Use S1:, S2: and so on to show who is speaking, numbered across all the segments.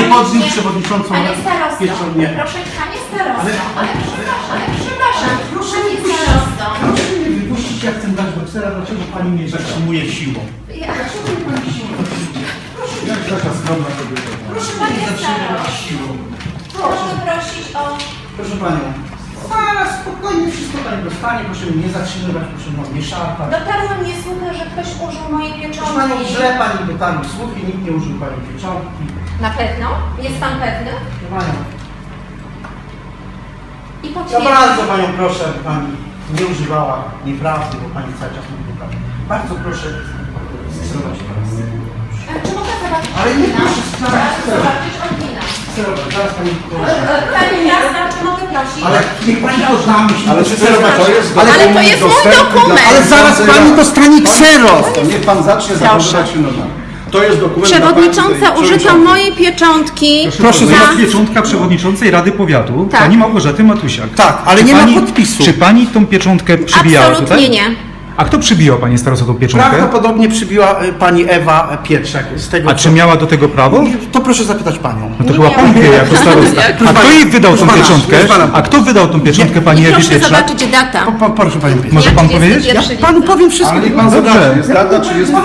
S1: podbił przewodniczącą.
S2: Panie starosto,
S1: Nie.
S2: proszę panie starosto, ale przepraszam, panie starosto.
S1: Proszę mnie wypuścić, ja chcę dać boksera, dlaczego pani mnie zatrzymuje siłą?
S2: Dlaczego nie pan siłą?
S1: Jak taka skromna kobieta?
S2: Proszę panie starosto,
S1: Siłą.
S2: proszę prosić o...
S1: Proszę panią. Zaraz, spokojnie, wszystko pani dostanie, proszę mnie nie zatrzymywać, proszę mnie nie szarpać.
S2: Dotarło mnie słucha, że ktoś użył mojej
S1: Proszę panią,
S2: pieczątki.
S1: źle pani dotarł słuchy, nikt nie użył pani pieczątki.
S2: Na pewno? Jest pan pewny?
S1: Proszę panią.
S2: I
S1: Ja
S2: potwierdzi.
S1: bardzo panią proszę, aby pani nie używała nieprawdy, bo pani cały czas mówi nieprawdę. Bardzo proszę skserować teraz.
S2: Czy mogę zobaczyć
S1: Ale nie
S2: oryginał?
S1: proszę skserować.
S2: Zobaczyć oryginał.
S1: Skserować, zaraz pani proszę.
S2: Pani jasna, czy mogę prosić?
S1: Ale niech pani pozna myśli.
S3: Ale skserować, to jest
S2: Ale to
S3: dokument
S2: jest mój
S3: dostępny
S2: dokument.
S3: dla-
S1: Ale zaraz pani dostanie kseros.
S3: To niech pan zacznie zachowywać się normalnie. To jest dokument
S2: Przewodnicząca,
S3: dla pani
S2: użyto
S3: przewodniczącej.
S2: mojej pieczątki.
S1: Proszę
S2: za...
S1: zobaczyć.
S4: Pieczątka przewodniczącej Rady Powiatu,
S2: Tak.
S4: pani Małgorzaty Matusiak.
S1: Tak, ale
S4: Czy
S1: nie ma
S4: pani-
S1: podpisu.
S4: Czy pani tą pieczątkę przybijała
S2: Absolutnie
S4: tutaj?
S2: nie.
S4: A kto przybijał pani starosto tą pieczątkę?
S1: Prawdopodobnie przybiła pani Ewa Pietrzak z tego.
S4: A czy miała do tego prawo?
S1: To proszę zapytać panią.
S4: No to
S2: Nie
S4: chyba
S2: miała.
S4: pan wie jako starosta. A kto jej wydał tą
S1: Proszę pana,
S4: pieczątkę?
S1: proszę pana.
S4: A kto wydał tą pieczątkę pani
S2: I
S4: Ewie
S2: proszę
S4: Pietrzak?
S2: zobaczyć data.
S1: Proszę panią Pietrzak.
S4: Może pan powiedzieć?
S2: 31
S1: Panu powiem wszystko.
S3: Ale niech pan
S4: Dobrze.
S3: zobaczy, jest data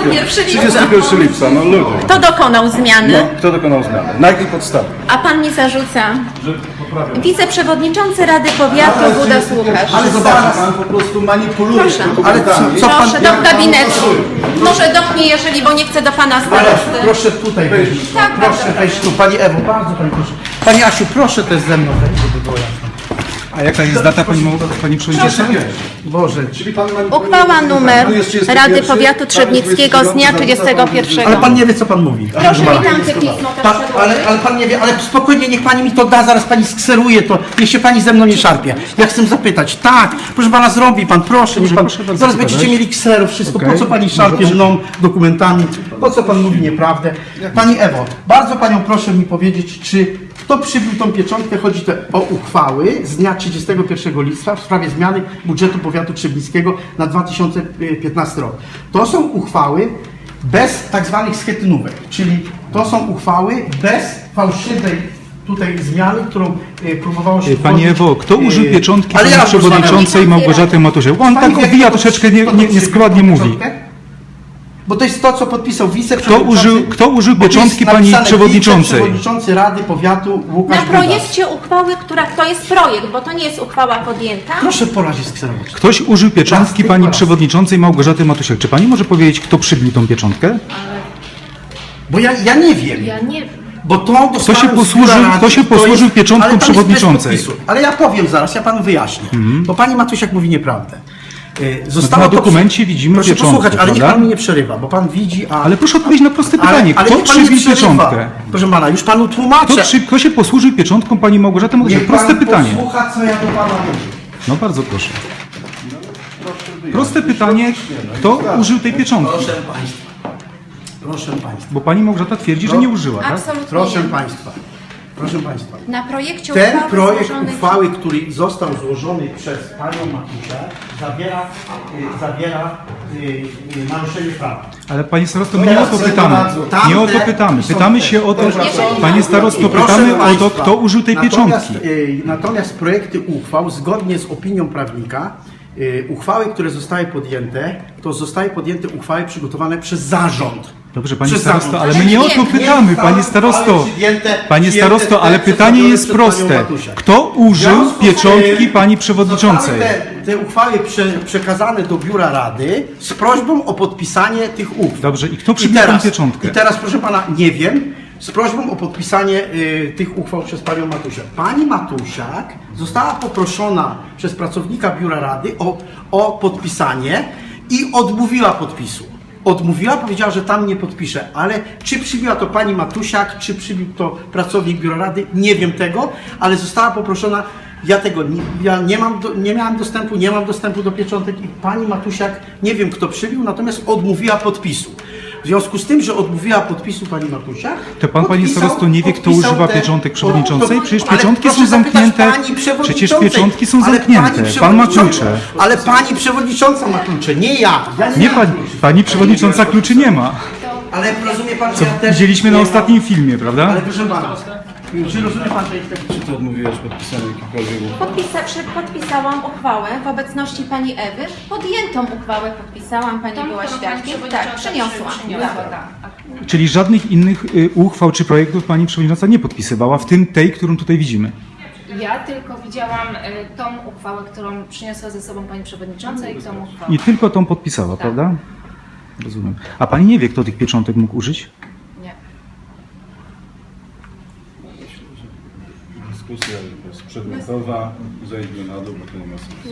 S3: 31 lipca, no ludzie.
S2: Kto dokonał zmiany?
S3: No, kto dokonał zmiany? Na jakiej podstawie?
S2: A pan mi zarzuca. Wiceprzewodniczący Rady Powiatu Buda Łukasz.
S1: Ale
S3: Zobacz, pan po prostu manipuluje
S2: Proszę.
S3: dokumentami.
S1: Co pan-
S2: Proszę do gabinetu. Może dotknie, jeżeli, bo nie chcę do pana
S1: Ale
S2: starosty.
S1: proszę tutaj wejść.
S2: Tak,
S1: Proszę
S2: bardzo
S1: wejść tu. Pani Ewo, bardzo pani proszę. Pani Asiu, proszę też ze mną wejść, żeby było jasne.
S4: A jaka jest data pani przewodnicząca?
S1: Boże.
S3: Czyli pan manipuluje
S2: Uchwała
S3: dokumentami.
S2: numer
S3: Tu jest 31,
S2: Rady Powiatu Trzebnickiego z dnia 31.
S1: Ale pan nie wie, co pan mówi.
S2: Proszę mi tamte pismo też przedłożyć.
S1: Ale pan nie wie, ale spokojnie, niech pani mi to da, zaraz pani skseruje to. Niech się pani ze mną nie szarpie. Ja chcę zapytać. Tak, proszę pana, zrobi pan, proszę. Niech pan,
S4: proszę bardzo
S1: zaraz
S4: pokazać.
S1: będziecie mieli kserów, wszystko.
S4: Okej.
S1: Po co pani szarpie mną dokumentami? Po co pan mówi nieprawdę? Pani Ewo, bardzo panią proszę mi powiedzieć, czy kto przybił tą pieczątkę? Chodzi to o uchwały z dnia 31 lipca w sprawie zmiany budżetu powiatu trzebnickiego na 2015 rok. To są uchwały bez tak zwanych schetynówek, czyli to są uchwały bez fałszywej tutaj zmiany, którą próbowało się
S4: Pani
S1: wprowadzić,
S4: Ewo, kto użył pieczątki
S1: ale
S4: pani
S1: ja
S4: przewodniczącej Małgorzaty Matusiak? Bo on
S1: Pani
S4: tak
S1: wie,
S4: obija
S1: kto
S4: troszeczkę
S1: podpisał
S4: nieskładnie mówi.
S1: pieczątkę? Bo to jest to, co podpisał wiceprzewodniczący.
S4: Kto użył
S1: bo tu jest
S4: pieczątki pani
S1: napisane
S4: przewodniczącej?
S1: Wiceprzewodniczący Rady Powiatu Łukasz
S2: Na
S1: Buda.
S2: projekcie uchwały, to jest projekt, bo to nie jest uchwała podjęta.
S1: Proszę po razie skserować.
S4: Ktoś użył pieczątki
S1: Raz,
S4: pani
S1: raz.
S4: przewodniczącej Małgorzaty Matusiak. Czy pani może powiedzieć, kto przybił tą pieczątkę?
S1: Bo ja nie wiem.
S2: Ja nie wiem.
S1: Bo to dostałem
S4: Kto się posłużył pieczątką
S1: ale tam jest
S4: przewodniczącej?
S1: bez podpisu. Ale ja powiem zaraz, ja panu wyjaśnię. Bo pani Matusiak mówi nieprawdę.
S4: na dokumencie widzimy
S1: Proszę
S4: pieczątkę,
S1: posłuchać, ale niech
S4: prawda?
S1: pan mi nie przerywa, bo pan widzi, a...
S4: Ale proszę odpowiedzieć na proste pytanie.
S1: ale
S4: Kto
S1: niech pan nie
S4: przybił
S1: przerywa.
S4: pieczątkę?
S1: Proszę pana, już panu tłumaczę.
S4: Kto się posłużył pieczątką pani Małgorzaty Matusiak?
S1: Niech
S4: Proste
S1: pan
S4: pytanie.
S1: posłucha, co ja do pana mówię.
S4: No bardzo proszę. Proste pytanie, kto użył tej pieczątki?
S1: Proszę państwa. Proszę państwa.
S4: Bo pani Małgorzata twierdzi, że nie użyła, tak?
S2: Absolutnie
S1: Proszę
S2: nie.
S1: państwa. Proszę państwa.
S2: Na projekcie
S1: Ten
S2: uchwały
S1: projekt
S2: złożonej...
S1: uchwały, który został złożony przez panią Matusiak, zawiera naruszenie prawa.
S4: Ale panie starosto, my nie o to pytamy. Nie o to pytamy. Pytamy się o to, panie starosto,
S1: Proszę
S4: pytamy o to,
S1: państwa,
S4: kto użył tej pieczątki.
S1: Natomiast projekty uchwał, zgodnie z opinią prawnika, uchwały, które zostały podjęte, to zostały podjęte uchwały przygotowane przez zarząd.
S4: Dobrze, panie
S1: Przez
S4: starosto,
S1: zarząd.
S4: ale my nie o to
S2: Nie,
S4: pytamy, panie starosto. Panie starosto, ale pytanie jest proste. Kto użył pieczątki pani przewodniczącej?
S1: Zostały te uchwały przekazane do biura rady z prośbą o podpisanie tych uchwał.
S4: Dobrze, i kto przybił tę pieczątkę?
S1: I teraz, proszę pana, nie wiem, z prośbą o podpisanie tych uchwał przez panią Matusiak. Pani Matusiak została poproszona przez pracownika biura rady o podpisanie i odmówiła podpisu. Odmówiła, powiedziała, że tam nie podpisze, ale czy przybiła to pani Matusiak, czy przybił to pracownik biura rady, nie wiem tego, ale została poproszona. Ja nie miałem dostępu, nie mam dostępu do pieczątek i pani Matusiak, nie wiem kto przybił, natomiast odmówiła podpisu. W związku z tym, że odmówiła podpisu pani Matusiak...
S4: To pan, panie starosto, nie wie, kto
S1: podpisał
S4: używa
S1: te-
S4: pieczątek przewodniczącej? Przecież
S1: Ale
S4: pieczątki
S1: proszę
S4: są
S1: zapytać
S4: zamknięte.
S1: pani przewodniczącej.
S4: Przecież pieczątki są
S1: Ale
S4: zamknięte.
S1: pani
S4: Pan ma
S1: przewodnicząca-
S4: klucze.
S1: Ale pani przewodnicząca ma klucze, nie ja. Ja
S4: Nie
S1: mam
S4: pani,
S1: kluczy.
S4: pani przewodnicząca kluczy nie ma.
S1: Ale rozumie pan,
S4: Co
S1: że ja też
S4: widzieliśmy na
S1: nie mam-
S4: ostatnim filmie, prawda?
S1: Ale proszę pana, czy rozumie pan, że jest taki...
S3: Czy ty odmówiłaś podpisania jakichkolwiek uchwał?
S2: Podpisałam uchwałę w obecności pani Ewy. Podjętą uchwałę podpisałam, pani była świadkiem. Tak, przyniosłam. Tak.
S4: Czyli żadnych innych uchwał czy projektów pani przewodnicząca nie podpisywała, w tym tej, którą tutaj widzimy.
S5: Ja tylko widziałam tą uchwałę, którą przyniosła ze sobą pani przewodnicząca i tą uchwałę.
S4: I tylko tą podpisała, prawda? Rozumiem. A pani nie wie, kto tych pieczątek mógł użyć?
S5: Nie.
S3: Dyskusja jest przedmiotowa, zejdźmy na dół, bo to nie ma sensu.